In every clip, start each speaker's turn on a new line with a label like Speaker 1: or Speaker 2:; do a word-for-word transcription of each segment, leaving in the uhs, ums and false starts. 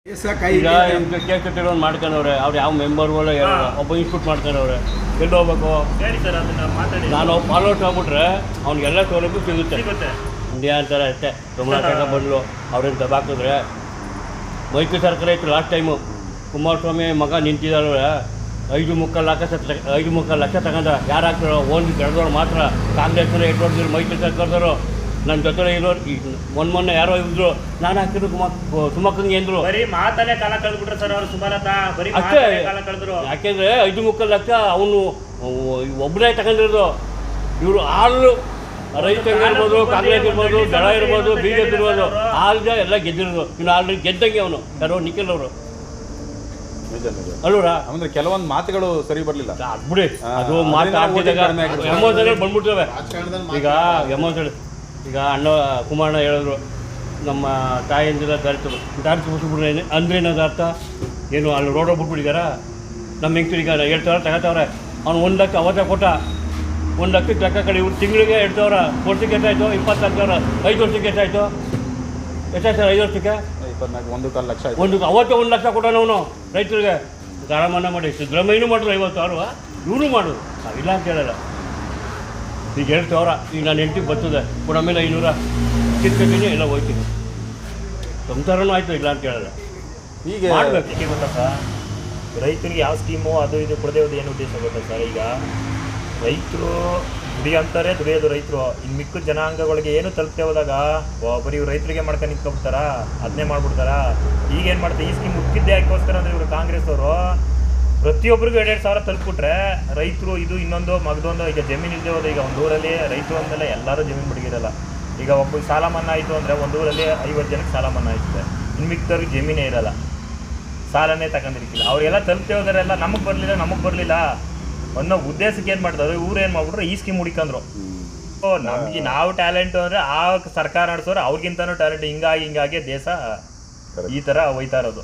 Speaker 1: ಈಗ ಕೇಕ್ ಕಟ್ಟಿರೋದು ಮಾಡ್ಕೊಂಡವ್ರೆ ಅವ್ರು ಯಾವ ಮೆಂಬರ್ಗಳು ಒಬ್ಬ ಇನ್ಸ್ಟಿಟ್ಯೂಟ್ ಮಾಡ್ಕೊಂಡವ್ರೆ ಎಲ್ಲಿ ಹೋಗ್ಬೇಕು. ನಾನು ಫಾಲೋಟ್ ಆಗ್ಬಿಟ್ರೆ ಅವ್ನಿಗೆಲ್ಲ ಸೌಲಭ್ಯ ಸಿಗುತ್ತೆ. ಇಂಡಿಯಾ ಅಂತಾರೆ ಅಷ್ಟೇ. ಸುಮ್ಮನೆ ಬಂದ್ಲು ಅವ್ರೇನು ದಬಾಕಿದ್ರೆ ಮೈತ್ರಿ ಸರ್ಕಾರ ಇತ್ತು ಲಾಸ್ಟ್ ಟೈಮು. ಕುಮಾರಸ್ವಾಮಿ ಮಗ ನಿಂತಿದ್ದಾರೆ ಐದು ಮುಕ್ಕಾಲು ಲಕ್ಷ ಐದು ಮುಕ್ಕಾಲು ಲಕ್ಷ ತಗೊಂಡ ಯಾರು ಹಾಕ್ತಾರೋ ಒಂದು ಬೆಳೆದವ್ರು ಮಾತ್ರ. ಕಾಂಗ್ರೆಸ್ನ ಎಷ್ಟು ಹೊಡೆದ್ರು ಮೈತ್ರಿ ಸರ್ಕಾರದವರು ನನ್ನ ಜೊತೆ ಇರೋರು ಈಗ ಮೊನ್ನೆ ಮೊನ್ನೆ ಯಾರೋ ಇದ್ರು ನಾನು ಹಾಕಿದ್ರು ಕುಮಾರ್ ಸುಮಕ್ಕಂಗೆ ಅಂದರು.
Speaker 2: ಬರೀ ಮಾತಲ್ಲೇ ಕಾಲ ಕಳೆದ್ಬಿಟ್ರೆ ಸರ್ ಅವರು ಸುಮಾರತಾ ಬರೀ
Speaker 1: ಅಷ್ಟೇ
Speaker 2: ಕಾಲ ಕಳೆದ್ರು.
Speaker 1: ಯಾಕೆಂದರೆ ಐದು ಮುಕ್ಕಾಲು ಲಕ್ಷ ಅವನು ಒಬ್ಬನೇ ತಗೊಂಡಿರೋದು. ಇವರು ಆಳು ರೈತಂಗೆ ಇರ್ಬೋದು, ಕಾಂಗ್ರೆಸ್ ಇರ್ಬೋದು, ದಳ ಇರ್ಬೋದು, ಬಿ ಜೆ ಪಿ ಇರ್ಬೋದು, ಆಲ್ದ ಎಲ್ಲ ಗೆದ್ದಿರೋದು. ಇನ್ನು ಆಲ್ರೆಡಿ ಗೆದ್ದಂಗೆ ಅವನು ಯಾರೋ ನಿಖಿಲ್ ಅವರು ಅಲ್ವರಾ.
Speaker 3: ಅಂದ್ರೆ ಕೆಲವೊಂದು ಮಾತುಗಳು ಸರಿ ಬರಲಿಲ್ಲ
Speaker 1: ಬಿಡಿ. ಅದು ಮಾತಾಡ್ತಿದ್ದಾಗ ಎಮೋಷನ್ಗಳು ಬಂದ್ಬಿಡ್ತವೆ. ಈಗ ಎಮೋಷನ್ ಈಗ ಅಣ್ಣ ಕುಮಾರಣ್ಣ ಹೇಳಿದ್ರು ನಮ್ಮ ತಾಯಿಯಿಂದ ದಾರಿ ದಾರಿ ತೋರಿಸ್ಬಿಟ್ರೆ ಅಂದ್ರೇನದು ಅರ್ಥ ಏನು? ಅಲ್ಲಿ ರೋಡ್ ಬಿಟ್ಬಿಟ್ಟಿದಾರ ನಮ್ಮ ಹೆಂಗ್ತಿರು ಈಗ ಎರಡು ಸಾವಿರ ತಗೋತಾವ್ರೆ. ಅವ್ನು ಒಂದು ಲಕ್ಷ ಅವತ್ತ ಕೊಟ್ಟ ಒಂದು ಲಕ್ಷಕ್ಕೆ ಲೆಕ್ಕ ಕಡೆ ಇವ್ರು ತಿಂಗಳಿಗೆ ಎರಡು ಸಾವಿರ ವರ್ಷಕ್ಕೆ ಎಷ್ಟಾಯಿತು? ಇಪ್ಪತ್ನಾಲ್ಕು ಸಾವಿರ. ಐದು ವರ್ಷಕ್ಕೆ ಎಷ್ಟಾಯಿತು? ಎಷ್ಟಾಯ್ತು ಸರ್ ಐದು ವರ್ಷಕ್ಕೆ?
Speaker 3: ಇಪ್ಪತ್ನಾಲ್ಕು ಒಂದು ಕಾಲು ಲಕ್ಷ
Speaker 1: ಒಂದು ಅವತ್ತೇ ಒಂದು ಲಕ್ಷ ಕೊಟ್ಟೋಣ ಅವನು ರೈತರಿಗೆ. ಸಾಲ ಮನ್ನಾ ಮಾಡಿ ಸಿದ್ದರಾಮಯ್ಯನೂ ಮಾಡಿದ್ರು ಐವತ್ತು ಸಾವಿರ, ಇವರು ಮಾಡೋದು ನಾವಿಲ್ಲ ಅಂತ ಹೇಳಲ್ಲ. ಈಗ ಎರಡು ಸಾವಿರ ಈಗ ನಾನು ಹೆಂಡ್ತಿಗೆ ಬರ್ತದೆ ಕೂಡ ಆಮೇಲೆ ಐನೂರ ಕಿತ್ಕೊತೀನಿ ಎಲ್ಲ ಹೋಗ್ತೀನಿ. ಸಂಸಾರನೂ ಆಯಿತು ಇಲ್ಲ ಅಂತ ಹೇಳಲ್ಲ.
Speaker 2: ಈಗ ಮಾಡಬೇಕು ಗೊತ್ತಾ ಸರ್, ರೈತರಿಗೆ ಯಾವ ಸ್ಕೀಮು ಅದು ಇದು ಕೊಡದೇ ಹೋದ ಏನು ಉದ್ದೇಶ ಗೊತ್ತಾ ಸರ್? ಈಗ ರೈತರು ದುಡಿ ಅಂತಾರೆ, ದುಡಿಯೋದು ರೈತರು. ಇನ್ನು ಮಿಕ್ಕ ಜನಾಂಗಗಳಿಗೆ ಏನು ತಲುಪ್ತೇ ಹೋದಾಗ ಬರೀ ಇವ್ರು ರೈತರಿಗೆ ಮಾಡ್ಕೊಂಡು ನಿಂತ್ಕೊಬಿಡ್ತಾರ, ಅದನ್ನೇ ಮಾಡ್ಬಿಡ್ತಾರ. ಈಗೇನು ಮಾಡ್ತಾರೆ, ಈ ಸ್ಕೀಮ್ ಮುಕ್ಕಿದ್ದೆ ಯಾಕೋಸ್ಕರ ಅಂದರೆ ಇವರು ಕಾಂಗ್ರೆಸ್ ಅವರು ಪ್ರತಿಯೊಬ್ಬರಿಗೂ ಎರಡೆರಡು ಸಾವಿರ ತಲುಪಿಬಿಟ್ರೆ ರೈತರು ಇದು ಇನ್ನೊಂದು ಮಗದೊಂದು. ಈಗ ಜಮೀನು ಇಲ್ಲದೆ ಹೋದ ಈಗ ಒಂದು ಊರಲ್ಲಿ ರೈತರು ಅಂದಮೇಲೆ ಎಲ್ಲರೂ ಜಮೀನು ಬಿಡಿಗಿರಲ್ಲ. ಈಗ ಒಬ್ಬ ಸಾಲ ಮನ್ನಾ ಆಯಿತು ಅಂದರೆ ಒಂದು ಊರಲ್ಲಿ ಐವತ್ತು ಜನಕ್ಕೆ ಸಾಲ ಮನ್ನಾ ಆಯ್ತದೆ, ಇನ್ನು ಮಿಕ್ಕದವ್ರಿಗೆ ಜಮೀನೇ ಇರಲ್ಲ, ಸಾಲನೇ ತಗೊಂಡಿರ್ತಿಲ್ಲ. ಅವರೆಲ್ಲ ತಲುಪ್ತೇ ಹೋದರೆಲ್ಲ ನಮಗೆ ಬರಲಿಲ್ಲ ನಮಗೆ ಬರಲಿಲ್ಲ ಅನ್ನೋ ಉದ್ದೇಶಕ್ಕೆ ಏನು ಮಾಡ್ತಾರೆ ಇವ್ರು ಏನು ಮಾಡ್ಬಿಟ್ರು ಈ ಸ್ಕೀಮ್ ಹುಡಿಕಂದ್ರು. ಓ ನಮಗೆ ನಾವು ಟ್ಯಾಲೆಂಟು ಅಂದರೆ ಆ ಸರ್ಕಾರ ನಡೆಸೋರು ಅವ್ರಿಗಿಂತನೂ ಟ್ಯಾಲೆಂಟ್. ಹಿಂಗಾಗಿ ಹಿಂಗಾಗಿ ದೇಶ ಈ ಥರ ಹೋಯ್ತಾ ಇರೋದು.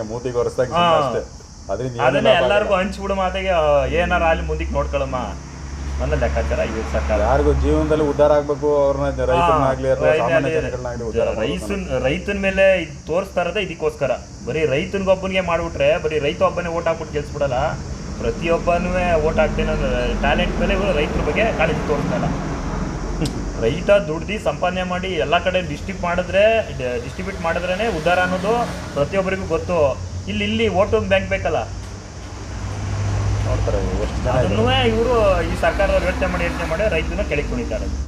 Speaker 2: ಅದನ್ನೇ ಎಲ್ಲರಿಗೂ ಹಂಚ್ಬಿಡು ಮಾತೆಗೆ ಏನಾರ ಅಲ್ಲಿ ಮುಂದಕ್ಕೆ ನೋಡ್ಕೊಳಮ್ಮ ಅನ್ನೋ ಲೆಕ್ಕಾಚಾರ ಇವ್ರ ಸರ್ಕಾರ.
Speaker 3: ಯಾರಿಗೂ ಜೀವನದಲ್ಲಿ ಉದ್ಧಾರ ಆಗಬೇಕು ಅವ್ರನ್ನ
Speaker 2: ರೈತನ ರೈತನ ಮೇಲೆ ತೋರಿಸ್ತಾ ಇರೋದೇ ಇದಕ್ಕೋಸ್ಕರ. ಬರೀ ರೈತನಿಗೊಬ್ಬನಿಗೆ ಮಾಡಿಬಿಟ್ರೆ ಬರೀ ರೈತ ಒಬ್ಬನೇ ಓಟ್ ಹಾಕ್ಬಿಟ್ಟು ಗೆಲ್ಸ್ಬಿಡಲ್ಲ. ಪ್ರತಿಯೊಬ್ಬನೂ ಓಟ್ ಹಾಕ್ತೇನೆ ಟ್ಯಾಲೆಂಟ್ ಮೇಲೆ ಇವರು ರೈತರ ಬಗ್ಗೆ ಕಾಳಜಿ ತೋರಿಸ್ತಾಯಿಲ್ಲ. ರೈತ ದುಡ್ದು ಸಂಪಾದನೆ ಮಾಡಿ ಎಲ್ಲ ಕಡೆ ಡಿಸ್ಟ್ರಿಬ್ಯೂಟ್ ಮಾಡಿದ್ರೆ ಡಿಸ್ಟ್ರಿಬ್ಯೂಟ್ ಮಾಡಿದ್ರೇ ಉದ್ಧಾರ ಅನ್ನೋದು ಪ್ರತಿಯೊಬ್ಬರಿಗೂ ಗೊತ್ತು. ಇಲ್ಲಿ ಇಲ್ಲಿ ಓಟು ಬ್ಯಾಂಕ್ ಬೇಕಲ್ಲ
Speaker 3: ನೋಡ್ತಾರೆ.
Speaker 2: ಅದನ್ನೂ ಇವರು ಈ ಸರ್ಕಾರದವ್ರು ಯೋಚನೆ ಮಾಡಿ ಯೋಚನೆ ಮಾಡಿ ರೈತನ ಕೆಳಗೆ ಕುಣಿತಾರೆ.